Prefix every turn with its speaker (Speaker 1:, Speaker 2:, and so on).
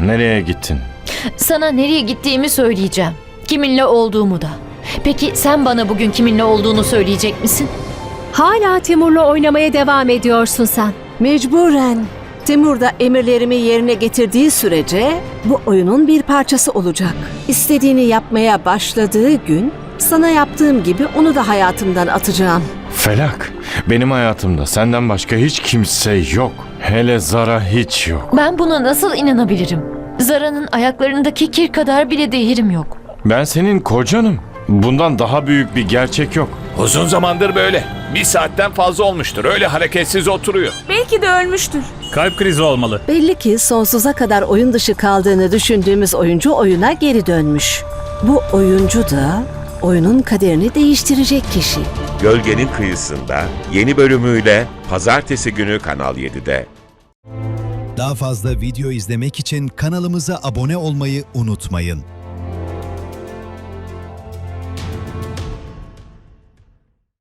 Speaker 1: Nereye gittin?
Speaker 2: Sana nereye gittiğimi söyleyeceğim. Kiminle olduğumu da. Peki sen bana bugün kiminle olduğunu söyleyecek misin?
Speaker 3: Hala Timur'la oynamaya devam ediyorsun sen.
Speaker 4: Mecburen. Timur da emirlerimi yerine getirdiği sürece bu oyunun bir parçası olacak. İstediğini yapmaya başladığı gün sana yaptığım gibi onu da hayatımdan atacağım.
Speaker 1: Felak, benim hayatımda senden başka hiç kimse yok. Hele Zara hiç yok.
Speaker 2: Ben buna nasıl inanabilirim? Zara'nın ayaklarındaki kir kadar bile değerim yok.
Speaker 1: Ben senin kocanım. Bundan daha büyük bir gerçek yok.
Speaker 5: Uzun zamandır böyle. Bir saatten fazla olmuştur. Öyle hareketsiz oturuyor.
Speaker 6: Belki de ölmüştür.
Speaker 7: Kalp krizi olmalı.
Speaker 4: Belli ki sonsuza kadar oyun dışı kaldığını düşündüğümüz oyuncu oyuna geri dönmüş. Bu oyuncu da oyunun kaderini değiştirecek kişi.
Speaker 8: Gölgenin Kıyısında yeni bölümüyle Pazartesi günü Kanal 7'de.
Speaker 9: Daha fazla video izlemek için kanalımıza abone olmayı unutmayın.